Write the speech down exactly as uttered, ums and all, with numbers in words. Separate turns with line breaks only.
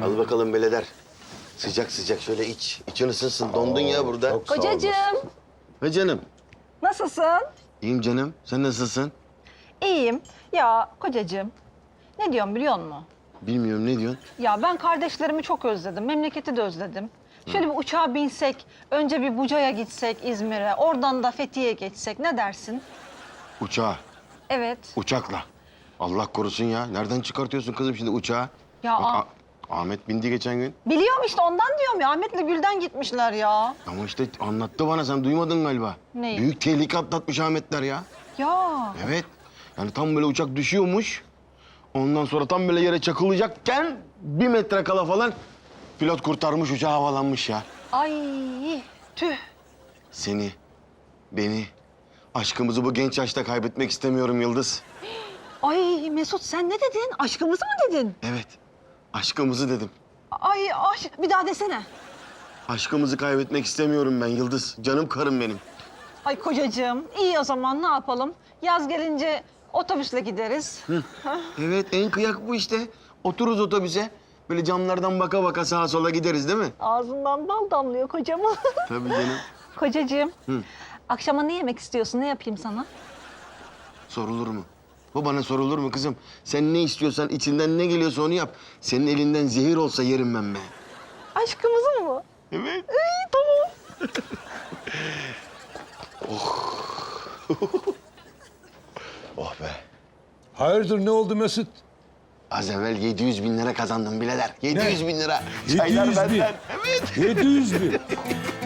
Al bakalım beyler. Sıcak sıcak şöyle iç. İçin ısınsın. Dondun ya burada.
Çok sağ olasın.
Kocacığım,
Ha canım.
nasılsın?
İyiyim canım. Sen nasılsın?
İyiyim. Ya kocacığım, ne diyorum biliyor musun?
Bilmiyorum ne diyorsun?
Ya ben kardeşlerimi çok özledim, memleketi de özledim. Şöyle bir uçağa binsek, önce bir Buca'ya gitsek İzmir'e, oradan da Fethiye'ye geçsek ne dersin?
Uçağa.
Evet.
Uçakla. Allah korusun ya. Nereden çıkartıyorsun kızım şimdi uçağı?
Ya
Bak,
a-
A- Ahmet bindi geçen gün.
Biliyorum işte ondan diyorum ya. Ahmet'le Gül'den gitmişler ya.
Ama işte anlattı bana. Sen duymadın galiba.
Neyi?
Büyük tehlike atlatmış Ahmetler ya.
Ya.
Evet. Yani tam böyle uçak düşüyormuş. Ondan sonra tam böyle yere çakılacakken bir metre kala falan pilot kurtarmış, uçağı havalanmış ya.
Ay tüh.
Seni, beni, aşkımızı bu genç yaşta kaybetmek istemiyorum Yıldız.
Ay Mesut sen ne dedin? Aşkımızı mı dedin?
Evet, aşkımızı dedim.
Ay aşk. Bir daha desene.
Aşkımızı kaybetmek istemiyorum ben Yıldız. Canım karım benim.
Ay kocacığım iyi o zaman ne yapalım? Yaz gelince otobüsle gideriz.
Evet, en kıyak bu işte. Otururuz otobüse. Böyle camlardan baka baka sağa sola gideriz değil mi?
Ağzından bal damlıyor kocama.
Tabii canım.
Kocacığım.
Hı.
Akşama ne yemek istiyorsun? Ne yapayım sana?
Sorulur mu? Bu bana sorulur mu kızım? Sen ne istiyorsan, içinden ne geliyorsa onu yap. Senin elinden zehir olsa yerim ben be.
Aşkımızı mı?
Evet.
İyi tamam.
Oh be.
Hayırdır ne oldu Mesut?
Az evvel yedi yüz bin lira kazandım birader. yedi yüz bin lira.
yedi
Çaylar
yüz bin.
benden. Evet.
yedi yüz bin.